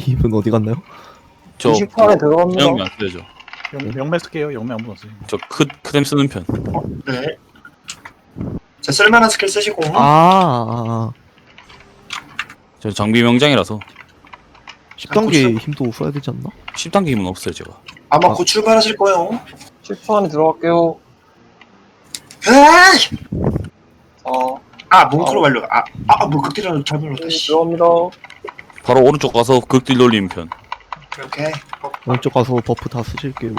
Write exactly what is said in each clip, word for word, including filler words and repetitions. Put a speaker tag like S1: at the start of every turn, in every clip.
S1: 힘은 어디 갔나요?
S2: 저
S3: 이십 초 안에 들어갑니다.
S2: 영매 안 쓰죠.
S4: 영, 영매 쓸게요. 영매 아무도 없어요.
S2: 저 크, 크뎀 쓰는 편.
S5: 네. 자, 쓸만한 스킬 쓰시고.
S1: 아, 아, 아.
S2: 저 장비 명장이라서
S1: 십 단계 힘도 써야 되지 않나?
S2: 십 단계 힘은 없어요 제가.
S5: 아마
S1: 아.
S5: 곧 출발하실 거예요.
S3: 십 초 안에 들어갈게요.
S5: 에이!
S3: 어,
S5: 아, 몽크로 완료. 아, 아, 뭐 극딜이라도 잘 불렀다.
S3: 네,
S5: 씨.
S3: 들어갑니다.
S2: 바로 오른쪽 가서 극딜 돌리는 편.
S5: 오케이.
S1: 왼쪽 가서 버프 다 쓰실게요.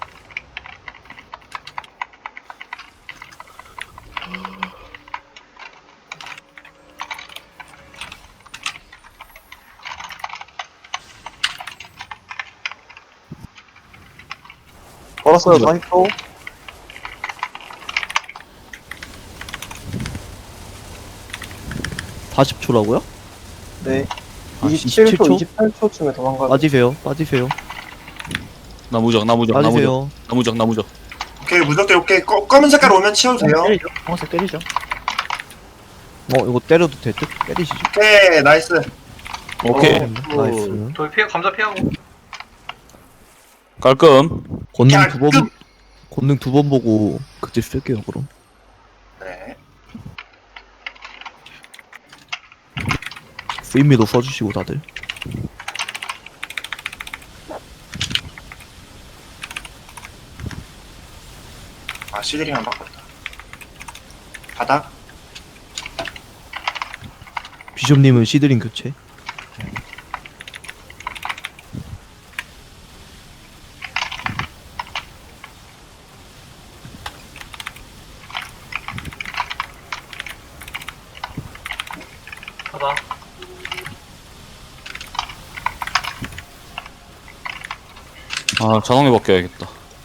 S3: 걸었어요. 사십 초.
S1: 사십 초라고요?
S3: 네.
S1: 아,
S3: 이십칠 초,
S1: 이십칠 초?
S3: 이십팔 초쯤에 도망가요.
S1: 빠지세요, 빠지세요,
S2: 나무적 나무적 나무적
S1: 빠지세요.
S2: 나무적 나무적.
S5: 오케이, 무적대 오케이. 꺼, 검은 색깔 오면 치워도 돼요.
S4: 때리죠. 황색 때리죠.
S1: 어, 이거 때려도 될 듯? 때리시죠.
S5: 오케이, 나이스.
S2: 오케이
S3: 어.
S1: 나이스.
S6: 저기 피해 감자 피하고
S2: 깔끔.
S1: 권능
S5: 야,
S1: 두 번,
S5: 끔!
S1: 권능 두 번 보고 극딜 쓸게요, 그럼.
S5: 네.
S1: 프리미도 써주시고, 다들.
S5: 아, 시드링 안 바꿨다. 바닥.
S1: 비숍님은 시드링 교체.
S6: 가다
S2: 아 자동에 바뀌어야겠다.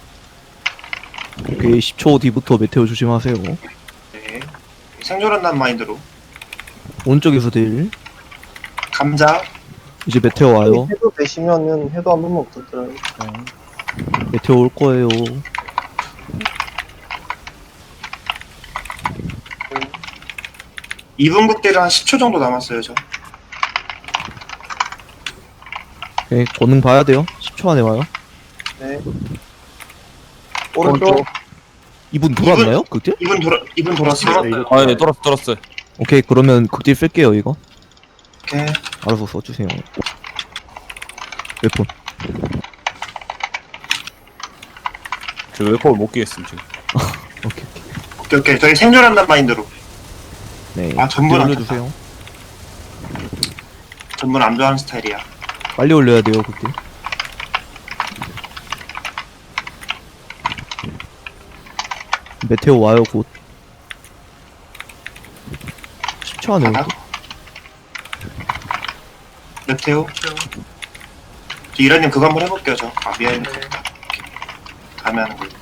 S1: 오케이, 십 초 뒤부터 메테오 조심하세요.
S5: 네. 생존한다는 마인드로.
S1: 오른쪽에서 딜.
S5: 감자.
S1: 이제 메테오 와요.
S3: 해도 되시면은 해도 한 번만 부탁드려요.
S1: 메테오 올 거예요.
S5: 이 분 극딜은 한 십 초 정도 남았어요, 저.
S1: 오케이, 권능 봐야 돼요. 십 초 안에 와요.
S3: 네. 오른쪽.
S1: 이분 돌았나요? 극딜?
S5: 이 분 돌아, 이 분 돌았어요.
S6: 돌았어요.
S2: 아예 떨었어 떨었어.
S1: 오케이, 그러면 극딜 쓸게요, 이거.
S5: 오케이.
S1: 알아서 써주세요. 웨폰.
S2: 저 웨퍼를 못 끼겠음 지금.
S1: 오케이.
S5: 오케이, 오케이. 저희 생존한다는 마인드로.
S1: 네.
S5: 아, 전문 안
S1: 올려주세요.
S5: 전문 안 좋아하는 스타일이야.
S1: 빨리 올려야 돼요, 극딜. 메테오 와요, 곧. 십 초 안에
S5: 바닥.
S1: 올게.
S5: 메테오. 저 이라님 그거 한번 해볼게요, 저. 아, 미안해.
S6: 네.
S5: 다음에 하는 걸로.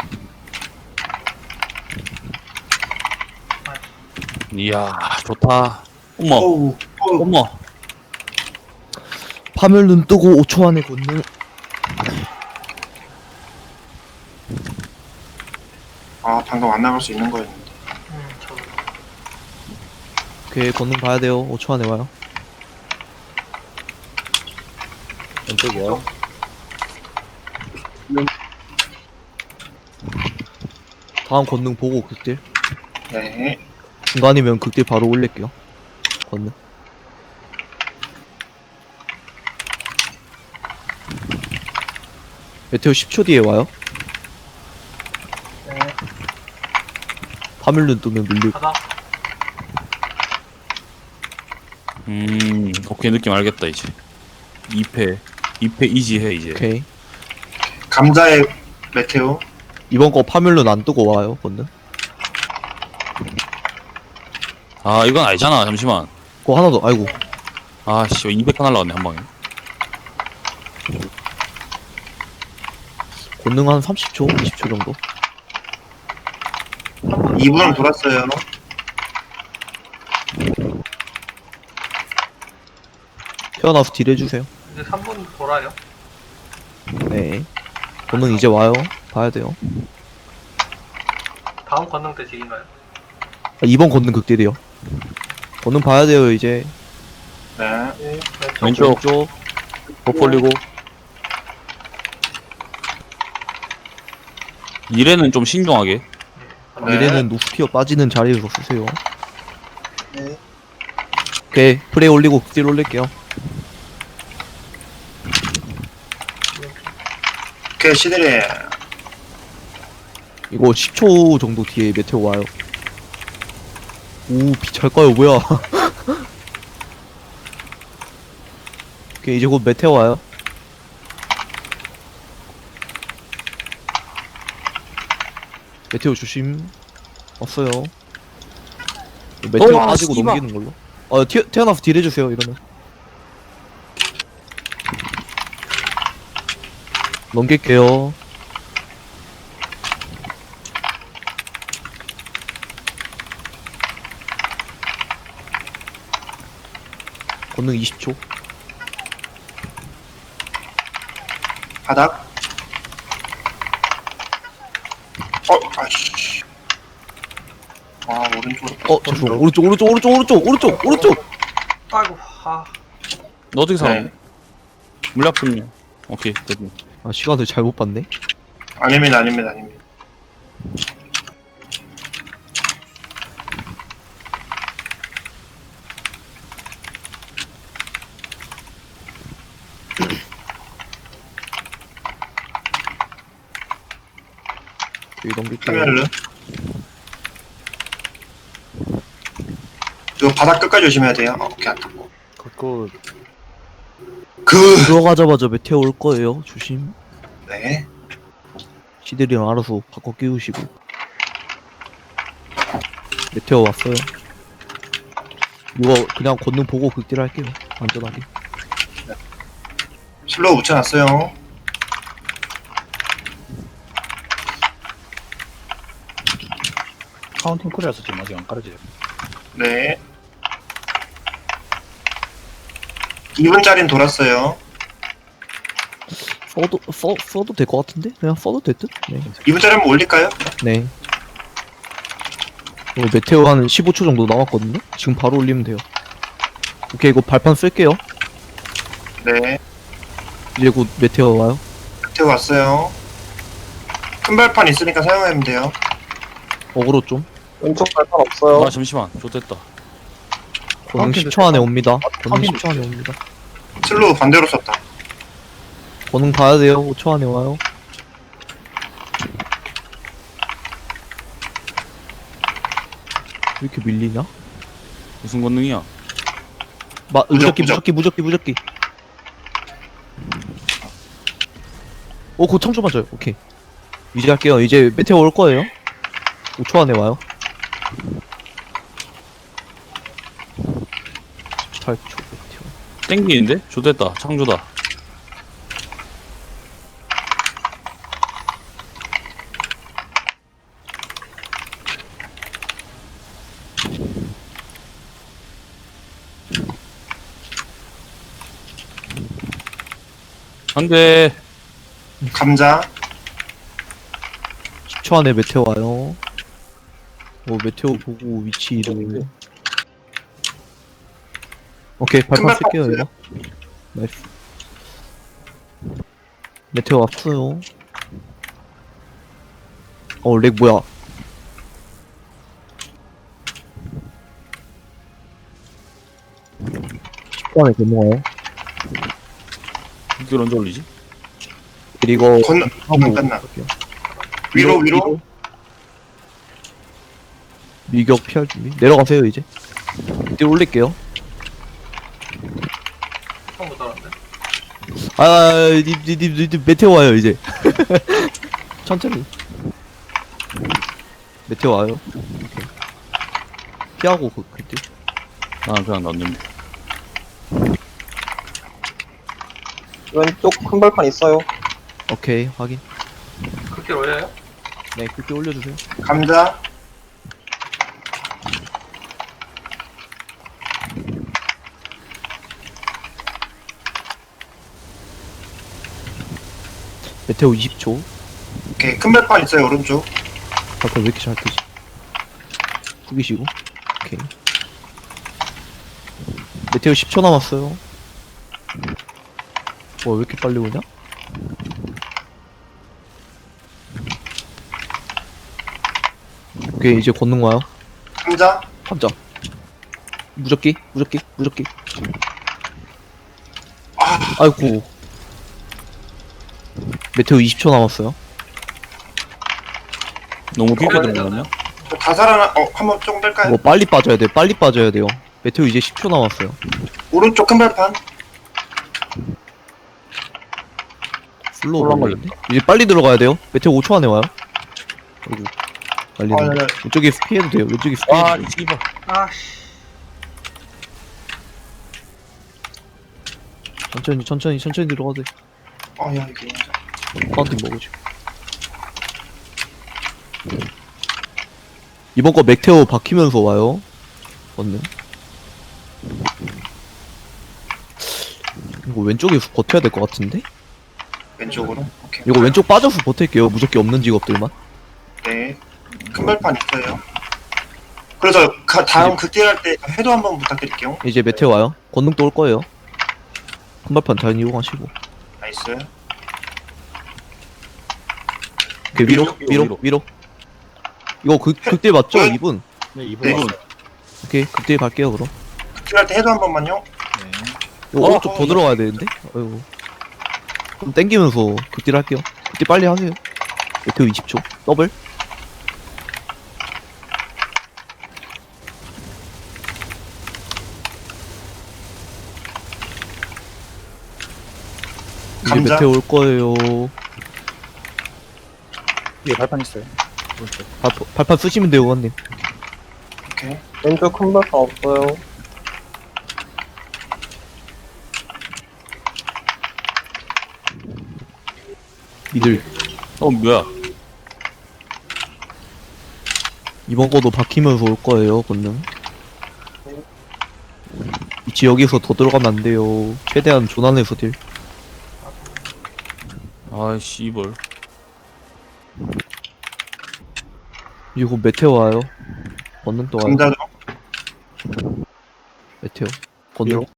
S2: 이야 좋다. 어머
S5: 어우, 어우.
S2: 어머.
S1: 파멸 눈 뜨고 오 초 안에 권능.
S5: 아, 방금 안 나갈 수 있는 거였는데.
S6: 음 저도
S1: 오케이, 권능 봐야 돼요. 오 초 안에 와요.
S4: 왼쪽이요.
S1: 다음 권능 보고 극딜.
S5: 네.
S1: 중간이면 극딜 바로 올릴게요. 권능. 메테오 십 초 뒤에 와요.
S6: 네
S1: 파멸 눈 뜨면 밀리고.
S6: 가다
S2: 음 오케이 느낌 알겠다 이제. 이 패 이 패 이지해 이제.
S1: 오케이.
S5: 감자의 메테오.
S1: 이번 거 파멸 눈안 뜨고 와요, 권능.
S2: 아 이건 아니잖아 잠시만.
S1: 그거 하나 더, 아이고.
S2: 아씨 이백 칸 날라갔네 한 방에.
S1: 권능 한 삼십 초, 이십 초 정도.
S5: 이 분은 돌았어요.
S1: 태어나서 딜 해주세요.
S6: 이제 삼 분 돌아요.
S1: 네. 권능 이제 와요. 봐야 돼요.
S6: 다음 권능 때 딜인가요?
S1: 아, 이번 권능 극딜이요. 권능 봐야 돼요, 이제.
S5: 네.
S3: 네.
S2: 왼쪽.
S1: 왼쪽.
S2: 버 올리고. 이래는 좀 신중하게.
S6: 네.
S1: 미래는 노스피어 빠지는 자리에서 쓰세요.
S3: 네.
S1: 오케이, 프레이 올리고 극딜 올릴게요.
S5: 오케이, 시들이.
S1: 이거 십 초 정도 뒤에 메테오 와요. 오, 비 잘까요? 뭐야? 오케이, 이제 곧 메테오 와요. 메테오 조심. 왔어요. 메테오
S2: 어,
S1: 빠지고
S2: 씨발.
S1: 넘기는 걸로. 어, 튀어, 태어나서 딜 해주세요, 이러면. 넘길게요. 권능 이십 초.
S5: 바닥. 어, 아이씨. 아, 오른쪽으로.
S1: 어, 죄송. 오른쪽, 오른쪽, 오른쪽, 오른쪽, 오른쪽, 오른쪽.
S6: 아이고, 아.
S2: 너 어떻게 살아?
S5: 네.
S2: 물약품요. 오케이, 됐네.
S1: 아, 시간을 잘못 봤네.
S5: 아닙니다, 아닙니다, 아닙니다.
S1: 여기 넘길게요.
S5: 카멜르. 이거 바닥 끝까지 조심해야 돼요. 어, 오케이, 안 탔고.
S4: 그거
S5: 그,
S1: 들어가자마자 메테오 올 거예요. 조심.
S5: 네.
S1: 시들이랑 알아서 바꿔 끼우시고. 메테오 왔어요. 이거 그냥 권능 보고 극딜 할게요. 안전하게.
S5: 슬로우 붙여놨어요.
S4: 카운팅 쿨이라서 지금 아직 안 깔아져요.
S5: 네. 이 분짜리는 돌았어요.
S1: 써도 써 써도 될 것 같은데? 그냥 써도 될 듯? 네.
S5: 이 분짜리 한번 올릴까요?
S1: 네. 이거 메테오 한 십오 초 정도 남았거든요. 지금 바로 올리면 돼요. 오케이, 이거 발판 쓸게요.
S5: 네.
S1: 이제 곧 메테오 와요.
S5: 밑에 왔어요. 큰 발판 있으니까 사용하면 돼요.
S1: 어그로 좀.
S3: 왼쪽 발판 없어요.
S2: 아, 잠시만. 좋됐다.
S1: 권능
S4: 카운팅
S1: 십 초 안에 옵니다. 권능
S4: 카운팅
S1: 십 초 안에 옵니다.
S5: 슬로우 반대로 썼다.
S1: 권능 봐야 돼요. 오 초 안에 와요. 왜 이렇게 밀리냐?
S2: 무슨 권능이야?
S1: 마,
S5: 무적,
S1: 무적기,
S5: 무적.
S1: 무적기, 무적기, 무적기. 오, 곧 청초 맞아요. 오케이. 이제 할게요. 이제 메테오 올 거예요. 오 초 안에 와요. 십팔 초 메테오.
S2: 땡기는데? 좋됐다. 창조다. 안 돼.
S5: 감자.
S1: 십 초 안에 메테오 와요. 오, 메테오 보고 위치 이동. 오케이, 발판
S5: 발판
S1: 쓸게요,
S5: 없어요.
S1: 이거. 나이스. 메테오 왔어요. 어, 렉 뭐야? 십 초 안에 넘어가요.
S2: 이걸 언제 올리지?
S1: 그리고
S5: 건너, 건너 끝나.
S1: 갈게요.
S5: 위로, 위로.
S1: 밀격 피할 준비. 내려가세요, 이제. 이때 올릴게요.
S6: 처음 못 알았네.
S1: 아, 님, 님, 님, 님, 님, 메테오 와요, 이제. 천천히. 메테오 와요. 오케이. 피하고, 그, 그때.
S2: 아, 그냥 넣는데.
S3: 왼쪽 큰 발판 있어요.
S1: 오케이, 확인.
S6: 그렇게 올려요?
S1: 네, 그때 올려주세요.
S5: 감자.
S1: 메테오 이십 초.
S5: 오케이. 큰 발판 있어요, 오른쪽.
S1: 발판 왜 이렇게 잘 뜨지? 숙이시고. 오케이. 메테오 십 초 남았어요. 왜 이렇게 빨리 오냐? 오케이, 이제 권능 와요.
S5: 감자.
S1: 감자. 무적기, 무적기, 무적기. 아이고. 메테오 이십 초 남았어요.
S2: 너무 길게
S5: 어,
S2: 들어갔냐?
S5: 다 살아나. 어, 한번 조금 뺄까요?
S1: 이거 빨리 빠져야 돼, 빨리 빠져야 돼요. 메테오 이제 십 초 남았어요.
S5: 오른쪽 큰 발판.
S1: 슬로우
S4: 혼란
S1: 걸리는데? 이제 빨리 들어가야 돼요. 메테오 오 초 안에 와요. 아이고.
S5: 아,
S1: 난리네.
S5: 네, 네.
S1: 왼쪽에 피해도 돼요. 왼쪽에 피해도
S2: 아,
S1: 돼요.
S2: 씨발.
S6: 아씨.
S1: 천천히, 천천히, 천천히 들어가도 돼.
S5: 아, 야, 이게.
S1: 파운틴 먹으죠. 이번 거 맥테오 박히면서 와요. 맞네. 이거 왼쪽에서 버텨야 될 것 같은데?
S5: 왼쪽으로. 오케이.
S1: 이거 왼쪽 빠져서 버틸게요. 무적기 없는 직업들만.
S5: 네. 큰 발판 있어요. 그래서 가, 다음 극딜 할때 해도 한번 부탁드릴게요.
S1: 이제 메테오 와요. 권능도 올 거예요. 큰발판 잘 이용하시고.
S5: 나이스.
S1: 오케이, 위로,
S2: 위로,
S1: 위로,
S2: 위로.
S1: 위로. 이거 극, 극딜 맞죠?
S5: 네.
S1: 이분?
S4: 네, 이분
S5: 네.
S4: 왔어요.
S1: 오케이, 극딜 갈게요, 그럼.
S5: 극딜 할때 해도 한 번만요.
S4: 네.
S1: 이거
S5: 어,
S1: 오른쪽 더
S5: 어,
S1: 들어가야 되는데? 아이고. 좀 땡기면서 극딜 할게요. 극딜 빨리 하세요. 메테오 이십 초. 더블. 이제
S5: 감자.
S1: 메테오 올 거예요.
S4: 위에 발판 있어요. 오른쪽.
S1: 발, 발판 쓰시면 돼요, 원님.
S5: 오케이.
S3: 왼쪽 큰 발판 없어요.
S1: 미들.
S2: 어, 뭐야?
S1: 이번 거도 박히면서 올 거예요, 권능. 위치 여기서 더 들어가면 안 돼요. 최대한 조난해서 딜.
S2: 아, 씨발.
S1: 이거 메테오 와요. 권능 또 와요.
S5: 감자도.
S1: 메테오. 권능.
S4: 위로.